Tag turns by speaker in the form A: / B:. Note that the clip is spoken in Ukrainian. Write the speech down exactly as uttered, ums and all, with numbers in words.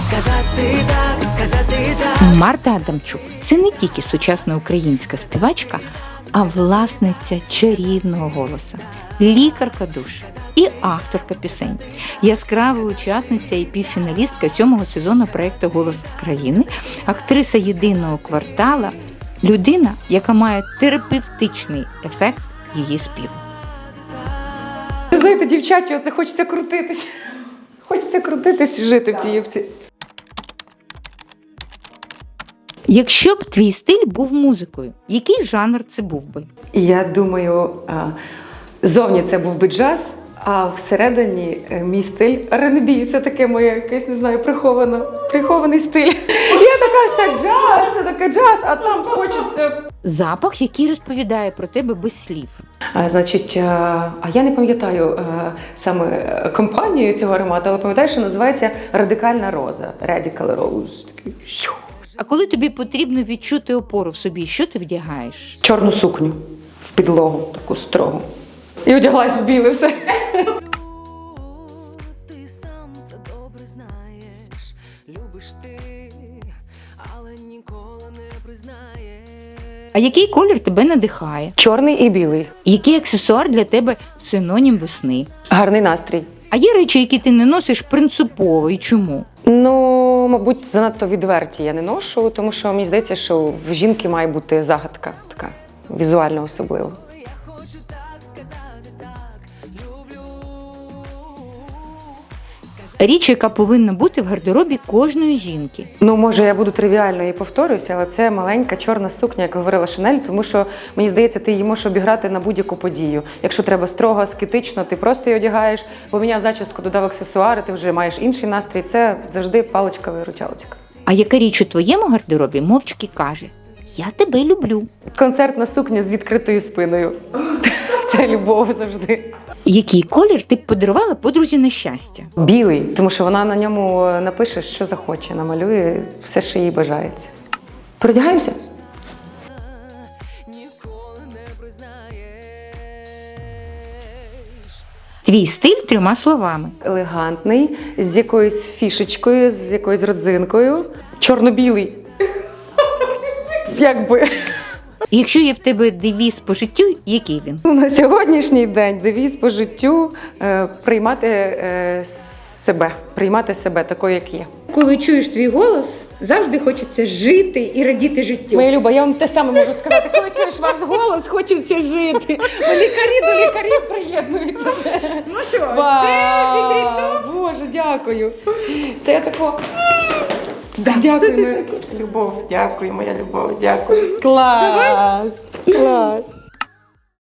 A: сказати так, сказати так.
B: Марта Адамчук – це не тільки сучасна українська співачка, а власниця чарівного голоса, лікарка душ і авторка пісень, яскрава учасниця і півфіналістка сьомого сезону проєкту «Голос країни», актриса єдиного квартала, людина, яка має терапевтичний ефект її співу.
C: Знаєте, дівчачі, оце хочеться крутитись. Хочеться крутитись і жити в цій юбці.
B: Якщо б твій стиль був музикою, який жанр це був би?
C: І я думаю, зовні це був би джаз, а всередині мій стиль ар енд бі. Це таке моє, якесь, не знаю, приховано, прихований стиль. Я така вся джаз, я така джаз, а там хочеться...
B: Запах, який розповідає про тебе без слів.
C: А, значить, а я не пам'ятаю саме компанію цього аромату, але пам'ятаю, що називається «Радикальна роза». Radical Rose.
B: А коли тобі потрібно відчути опору в собі, що ти вдягаєш?
C: Чорну сукню в підлогу, таку строгу. І одяглась в біле все.
A: Ти сам це добре знаєш, любиш ти, але ніколи не признаєш.
B: А який колір тебе надихає?
C: Чорний і білий.
B: Який аксесуар для тебе синонім весни?
C: Гарний настрій.
B: А є речі, які ти не носиш принципово і чому?
C: Ну, мабуть, занадто відверті я не ношу, тому що мені здається, що в жінки має бути загадка така, візуально особлива.
A: Я хочу так сказати так, люблю.
B: Річ, яка повинна бути в гардеробі кожної жінки.
C: Ну, може, я буду тривіально і повторююся, але це маленька чорна сукня, як говорила Шанель, тому що, мені здається, ти її можеш обіграти на будь-яку подію. Якщо треба строго, аскетично, ти просто її одягаєш, поміняв зачіску, додав аксесуари, ти вже маєш інший настрій. Це завжди паличка-виручалочка.
B: А яка річ у твоєму гардеробі мовчки каже: «Я тебе люблю».
C: Концертна сукня з відкритою спиною. Це любов завжди.
B: Який колір ти б подарувала подрузі на щастя?
C: Білий, тому що вона на ньому напише, що захоче, намалює все, що їй бажається. Передягаємося?
A: Ніколи не признаєш.
B: Твій стиль трьома словами.
C: Елегантний, з якоюсь фішечкою, з якоюсь родзинкою. Чорно-білий. Якби.
B: Якщо є в тебе девіз по життю, який він?
C: На сьогоднішній день девіз по життю е, приймати е, себе, приймати себе такою, як є.
B: Коли чуєш твій голос, завжди хочеться жити і радіти життю.
C: Моя Люба, я вам те саме можу сказати. Коли чуєш ваш голос, хочеться жити. Бо лікарі до лікарів приєднуються.
B: Ну що,
C: Вау! Боже, дякую. Це я тако... Да, дякую, моя любов, дякую, моя любов, дякую. Клас! Клас!